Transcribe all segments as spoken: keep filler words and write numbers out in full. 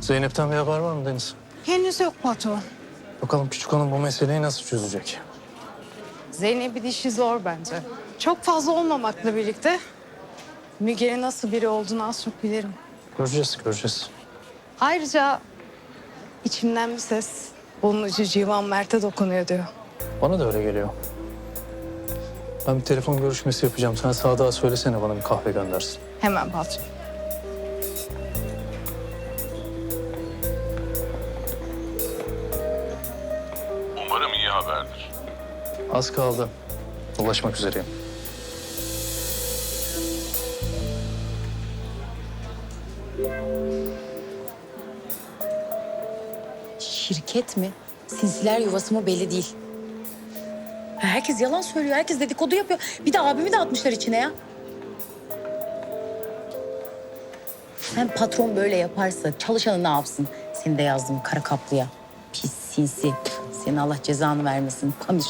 Zeynep'ten bir haber var mı Deniz? Henüz yok patron. Bakalım küçük hanım bu meseleyi nasıl çözecek? Zeynep'in işi zor bence. Çok fazla olmamakla birlikte Müge'nin nasıl biri olduğunu az çok bilirim. Göreceğiz, göreceğiz. Ayrıca içimden bir ses bunun ucu Civan Mert'e dokunuyor diyor. Bana da öyle geliyor. Ben bir telefon görüşmesi yapacağım. Sen Sadık'a söylesene bana bir kahve göndersin. Hemen patron. Umarım iyi haberdir. Az kaldı. Ulaşmak üzereyim. Şirket mi? Sinsiler yuvası mı belli değil. Herkes yalan söylüyor, herkes dedikodu yapıyor. Bir de abimi de atmışlar içine ya. Sen patron böyle yaparsa çalışanı ne yapsın? Seni de yazdım kara kaplıya. Pis sinsi. Senin Allah cezanı vermesin. Pamir.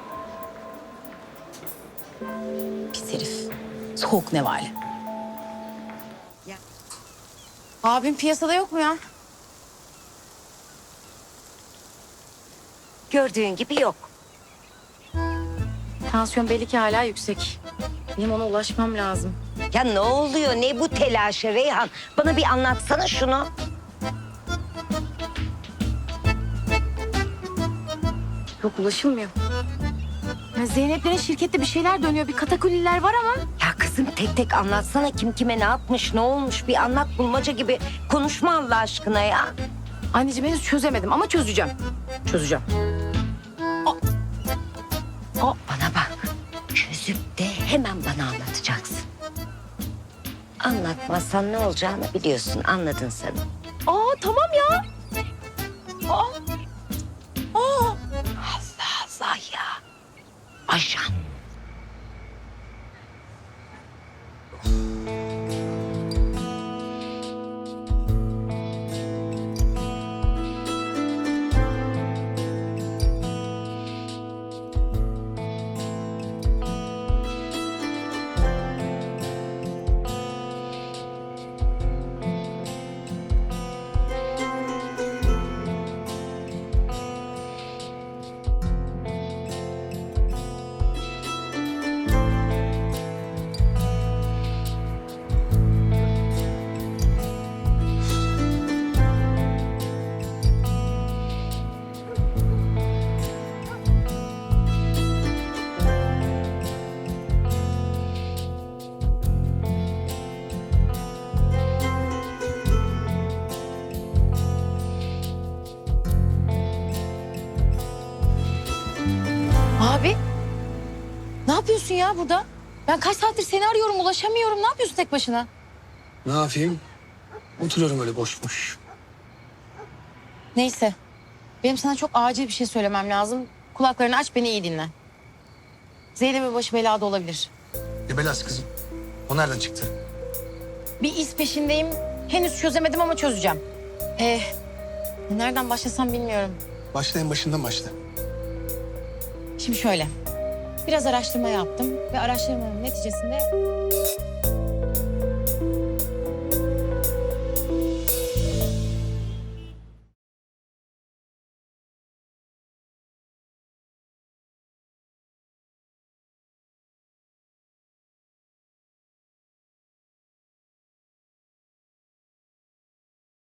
Pis herif. Soğuk nevale. Ya. Abim piyasada yok mu ya? Gördüğün gibi yok. Tansiyon belli ki hala yüksek. Benim ona ulaşmam lazım. Ya ne oluyor? Ne bu telaşı Reyhan? Bana bir anlatsana şunu. Yok ulaşılmıyor. Ya Zeynep'lerin şirkette bir şeyler dönüyor. Bir katakulliler var ama. Ya kızım tek tek anlatsana kim kime ne yapmış, ne olmuş? Bir anlat, bulmaca gibi konuşma Allah aşkına ya. Anneciğim henüz çözemedim ama çözeceğim. Çözeceğim. Bana bak. Çözüp de hemen bana anlatacaksın. Anlatmazsan ne olacağını biliyorsun. Anladın sen. Aa tamam ya. Aa. Aa. Allah Allah ya. Ajan. Abi. Ne yapıyorsun ya burada? Ben kaç saattir seni arıyorum, ulaşamıyorum. Ne yapıyorsun tek başına? Ne yapayım? Oturuyorum öyle boş boş. Neyse. Benim sana çok acil bir şey söylemem lazım. Kulaklarını aç, beni iyi dinle. Zeynep'in başı belada olabilir. Ne belası kızım? O nereden çıktı? Bir iz peşindeyim. Henüz çözemedim ama çözeceğim. Ee, nereden başlasam bilmiyorum. Başla en başından başla. Şimdi şöyle. Biraz araştırma yaptım ve araştırmanın neticesinde